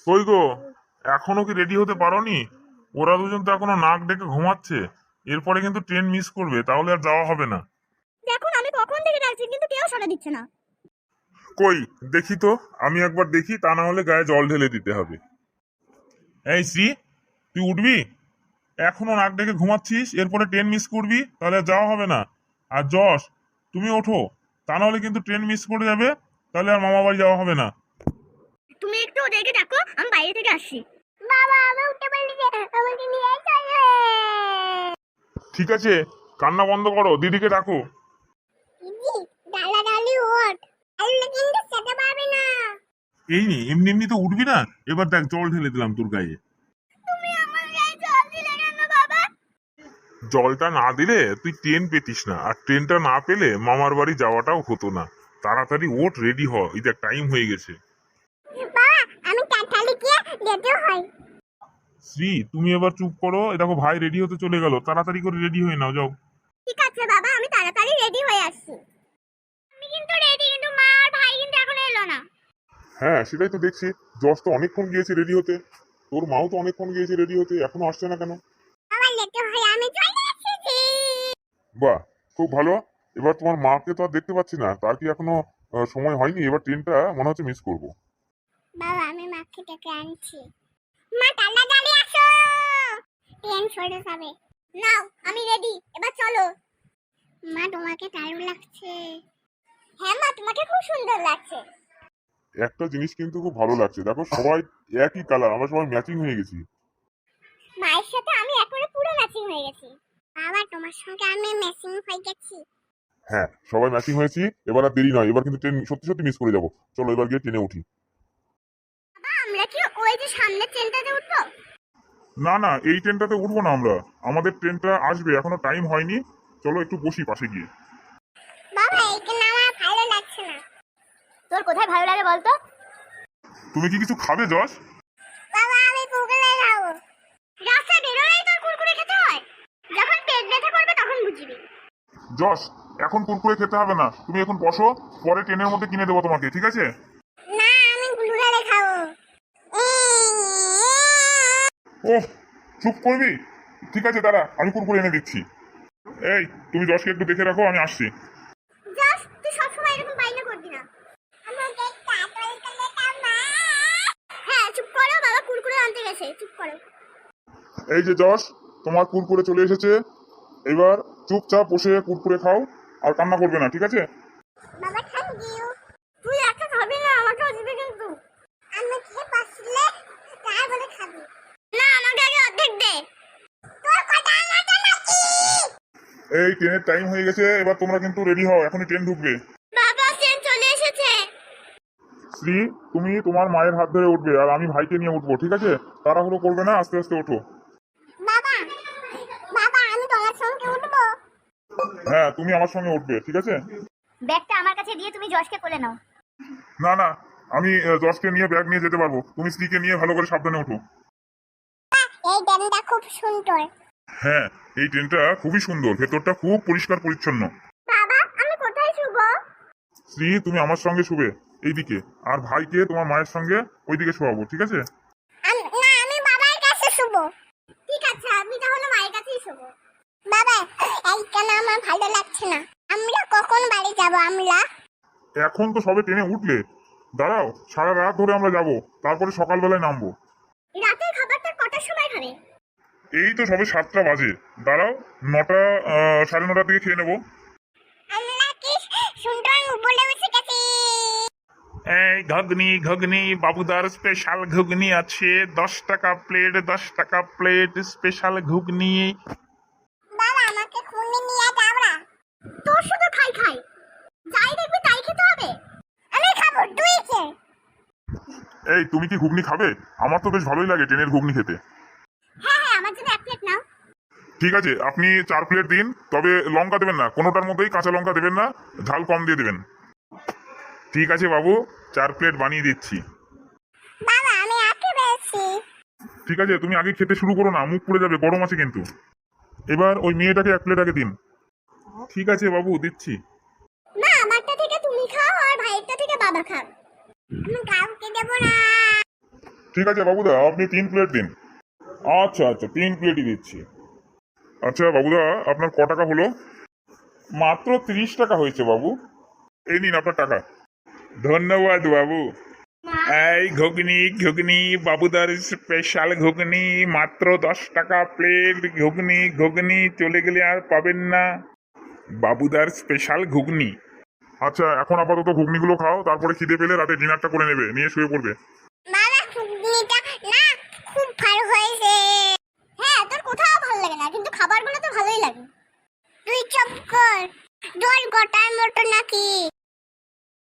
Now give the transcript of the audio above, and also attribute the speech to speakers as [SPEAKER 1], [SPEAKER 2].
[SPEAKER 1] কই গো, এখনো কি রেডি হতে পারোনি? ওরা দুজন তো এখনো নাক ডেকে ঘুমাচ্ছে। এরপরে কিন্তু ট্রেন মিস করবে, তাহলে আর যাওয়া হবে না।
[SPEAKER 2] দেখুন আমি কখন থেকে ডাকছি কিন্তু কেউ সাড়া দিচ্ছে না।
[SPEAKER 1] কই দেখি তো, আমি একবার দেখি, তা না হলে গায়ে জল ঢেলে দিতে হবে। এই শ্রী, তুই উঠবি? এখনো নাক ডেকে ঘুমাচ্ছিস, এরপরে ট্রেন মিস করবি, তাহলে আর যাওয়া হবে না। আর যশ, তুমি ওঠো, তা না হলে কিন্তু ট্রেন মিস করে যাবে, তাহলে আর মামা বাড়ি যাওয়া হবে না।
[SPEAKER 2] তুমি একটু ওদেরকে ডাকো, আমি বাইরে থেকে আসছি। বাবা আমি উঠতে পারলি না, আমাকে নিয়ে চলো।
[SPEAKER 1] ঠিক আছে, কান্না বন্ধ করো, দিদিকে ডাকো।
[SPEAKER 2] দিদি ডালাডালি ওঠ, আল্লাহ কিন্তু খেতে পারবে না।
[SPEAKER 1] এই নি, এমনি এমনি তো উঠবি না। এবার দেখ, জল ঢেলে দিলাম তোর গায়ে।
[SPEAKER 2] তুমি আমার গায়ে জল দিলে কেন বাবা?
[SPEAKER 1] জলটা না দিলে তুই ট্রেন পেতিস না, আর ট্রেনটা না পেলে মামার বাড়ি যাওয়াটাও হতো না। তাড়াতাড়ি ওঠ, রেডি হ, এই দেখ টাইম হয়ে গেছে।
[SPEAKER 2] বাবা আমি টাটালি গিয়ে যেতে হয়।
[SPEAKER 1] শ্রী, তুমি এবার চুপ করো। এ দেখো, ভাই রেডি হতে চলে গেল, তাড়াতাড়ি করে রেডি হয়ে নাও, যাও।
[SPEAKER 2] ঠিক আছে বাবা, আমি তাড়াতাড়ি রেডি হয়ে আসছি। আমি কিন্তু রেডি, কিন্তু মা আর ভাই কিন্তু এখনো এলো না।
[SPEAKER 1] হ্যাঁ, সেটাই তো দেখছি। যশ তো অনেকক্ষণ গিয়েছে রেডি হতে, তোর মাও তো অনেকক্ষণ গিয়েছে রেডি হতে, এখনো আসছে না কেন?
[SPEAKER 2] আমার লেটে হয়, আমি চলে এসেছি।
[SPEAKER 1] বাহ, খুব ভালো। এবার তোমার মাকে তো আর দেখতে পাচ্ছি না, তার কি এখনো সময় হয়নি? এবার ট্রেনটা মনে হচ্ছে মিস করবো।
[SPEAKER 2] বাবা আমি মাকে ডেকে আনছি। মা তাড়াতাড়ি আসো, ট্রেন সরে যাবে। নাও আমি রেডি, এবার চলো। মা তোমাকে দারুণ লাগছে। হ্যাঁ মা, তোমাকে খুব সুন্দর লাগছে।
[SPEAKER 1] একটা জিনিস কিন্তু খুব ভালো লাগছে, দেখো সবাই একই কালার, আমরা সবাই ম্যাচিং হয়ে গেছি।
[SPEAKER 2] মায়ের সাথে আমি একেবারে পুরো ম্যাচিং হয়ে গেছি। বাবা তোমার সঙ্গে আমি ম্যাচিং হয়ে গেছি।
[SPEAKER 1] হ্যাঁ, সবাই ম্যাচিং হয়েছি। এবার আর দেরি নয়, এবার কিন্তু ট্রেন সত্যি সত্যি মিস করে যাবো। চলো এবার গিয়ে ট্রেনে উঠি।
[SPEAKER 2] বাবা আমরা কি ওই যে সামনের ট্রেনটাতে উঠবো?
[SPEAKER 1] না না, এই ট্রেনটাতে উঠবো না আমরা। আমাদের ট্রেনটা আসবে, এখনো টাইম হয়নি। চলো একটু বসি পাশে গিয়ে।
[SPEAKER 2] বাবা এইখানে আমার ভালো লাগছে না। তোর কোথায় ভালো লাগে বলতো?
[SPEAKER 1] তুমি কি কিছু খাবে যশ?
[SPEAKER 2] বাবা আমি কুকুরে খাবো। রাস্তায় বেরোলেই তোর কুরকুরে খেতে হয়, যখন পেট ব্যথা করবে তখন বুঝবি।
[SPEAKER 1] যশ, এখন কুরকুরে খেতে হবে না, তুমি এখন বসো, পরে ট্রেনের মধ্যে কিনে দেবো তোমাকে, ঠিক আছে?
[SPEAKER 2] না আমি কুরকুরে খাবো।
[SPEAKER 1] ওহ, চুপ করবি? ঠিক আছে, দাঁড়া, আমি কুরকুরে এনে দিচ্ছি। এই, তুমি যশকে একটু দেখে রাখো, আমি আসছি।
[SPEAKER 2] জাস্ট তুই সবসময় এরকম বাইনা করবি না। আমাকে কাটল করে দাও। হ্যাঁ চুপ করো, বাবা কুরকুরে আনতে গেছে, চুপ করো।
[SPEAKER 1] এই যে যশ, তোমার কুরকুরে চলে এসেছে। এবার চুপচাপ বসে কুরকুরে খাও, আর কান্না করবে না, ঠিক আছে?
[SPEAKER 2] বাবা থ্যাংক ইউ। তুই একা খাবি না, আমাকেও দিবি কিন্তু। আমি খেয়ে পাসলে তারপরে খাবি। না আমাকে আগে অর্ধেক দে। তোর কথা আমাকে নাকি?
[SPEAKER 1] এই, ট্রেনের টাইম হয়ে গেছে, এবার তোমরা কিন্তু রেডি হও, এখনই ট্রেন ঢুকবে।
[SPEAKER 2] বাবা ট্রেন চলে এসেছে।
[SPEAKER 1] শ্রী, তুমি তোমার মায়ের হাত ধরে উঠবে, আর আমি ভাইকে নিয়ে উঠবো, ঠিক আছে? তাড়াহুড়ো করবে না, আস্তে আস্তে ওঠো।
[SPEAKER 2] বাবা বাবা আমি তোমার সঙ্গে উঠবো?
[SPEAKER 1] হ্যাঁ, তুমি আমার সঙ্গে উঠবে, ঠিক আছে?
[SPEAKER 2] ব্যাগটা আমার কাছে দিয়ে তুমি যশকে কোলে নাও।
[SPEAKER 1] না না, আমি যশকে নিয়ে ব্যাগ নিয়ে যেতে পারবো, তুমি স্ত্রীকে নিয়ে ভালো করে সাবধানে ওঠো।
[SPEAKER 2] এই ট্রেনটা খুব সুন্দর।
[SPEAKER 1] হ্যাঁ, এই ট্রেনটা খুবই সুন্দর, ভেতরটা খুব পরিষ্কার পরিচ্ছন্ন।
[SPEAKER 2] বাবা আমি কোথায় শুবো?
[SPEAKER 1] শ্রী, তুমি আমার সঙ্গে শুবে এইদিকে, আর ভাইকে তোমার মায়ের সঙ্গে ওইদিকে শোয়াবো, ঠিক আছে?
[SPEAKER 2] না আমি বাবার কাছে শুবো। ঠিক আছে আমি তাহলে মায়ের কাছেই শুবো। বাবা এইখানে আমার ভালো লাগছে না, আমরা কখন বাড়ি যাব? আমরা
[SPEAKER 1] এখন তো সবে ট্রেনে উঠলে, দাঁড়াও, সারা রাত ধরে আমরা যাব, তারপরে সকালবেলায় নামবো।
[SPEAKER 2] রাতের খাবারটা কটার সময় খাবে?
[SPEAKER 1] এই তো সবে 7টা বাজে, দাঁড়াও, 9টা 9:30 দিকে খেয়ে নেবো।
[SPEAKER 2] আমরা কি সুন্দর বলে বসে গেছি।
[SPEAKER 1] এই ঘুগনি ঘুগনি, বাবুদার স্পেশাল ঘুগনি আছে, 10 টাকা প্লেট, 10 টাকা প্লেট স্পেশাল ঘুগনি।
[SPEAKER 2] বাবা আমাকে খুনে নিয়ে যাও না। তোর শুধু খাই খাই, যাই দেখবি তাই খেতে হবে। আমি খাবো, তুই খে।
[SPEAKER 1] এই, তুমি কি ঘুগনি খাবে? আমার তো বেশ ভালোই লাগে ট্রেনের ঘুগনি খেতে।
[SPEAKER 2] হ্যাঁ হ্যাঁ আমার জন্য এক প্লেট নাও।
[SPEAKER 1] ঠিক আছে, আপনি 4 প্লেট দিন, তবে লঙ্কা দেবেন না, কোনোটার মধ্যেই কাঁচা লঙ্কা দেবেন না, ঝাল কম দিয়ে দেবেন। ঠিক আছে বাবু, 4 প্লেট বানিয়ে দিচ্ছি।
[SPEAKER 2] বাবা আমি আগে পেয়েছি।
[SPEAKER 1] ঠিক আছে, তুমি আগে খেতে শুরু করো না, মুখ পুড়ে যাবে, গরম আছে কিন্তু। এবার ওই মেয়েটাকে 1 প্লেট আগে দিন। ঠিক আছে বাবু, দিচ্ছি।
[SPEAKER 2] না আমারটা থেকে তুমি খাও আর ভাইয়েরটা থেকে বাবা খাও। আমি কাউকে দেবো না।
[SPEAKER 1] ঠিক আছে বাবুদা, আপনি 3 প্লেট দিন। আচ্ছা আচ্ছা, 3 প্লেটই দিচ্ছি। আচ্ছা বাবুদা, আপনার ক টাকা হলো? মাত্র 30 টাকা হয়েছে বাবু। এই নিন আপনার টাকা। ধন্যবাদ বাবু। এই ঘুগনি ঘুগনি, বাবুদার স্পেশাল ঘুগনি, মাত্র 10 টাকা প্লেট। ঘুগনি ঘুগনি, চলে গেলে আর পাবেন না। বাবুদার স্পেশাল ঘুগনি। আচ্ছা, এখন আপাতত ঘুগনিগুলো খাও, তারপরে খিদে পেলে রাতে ডিনারটা করে নেবে, নিয়ে শুয়ে পড়বে।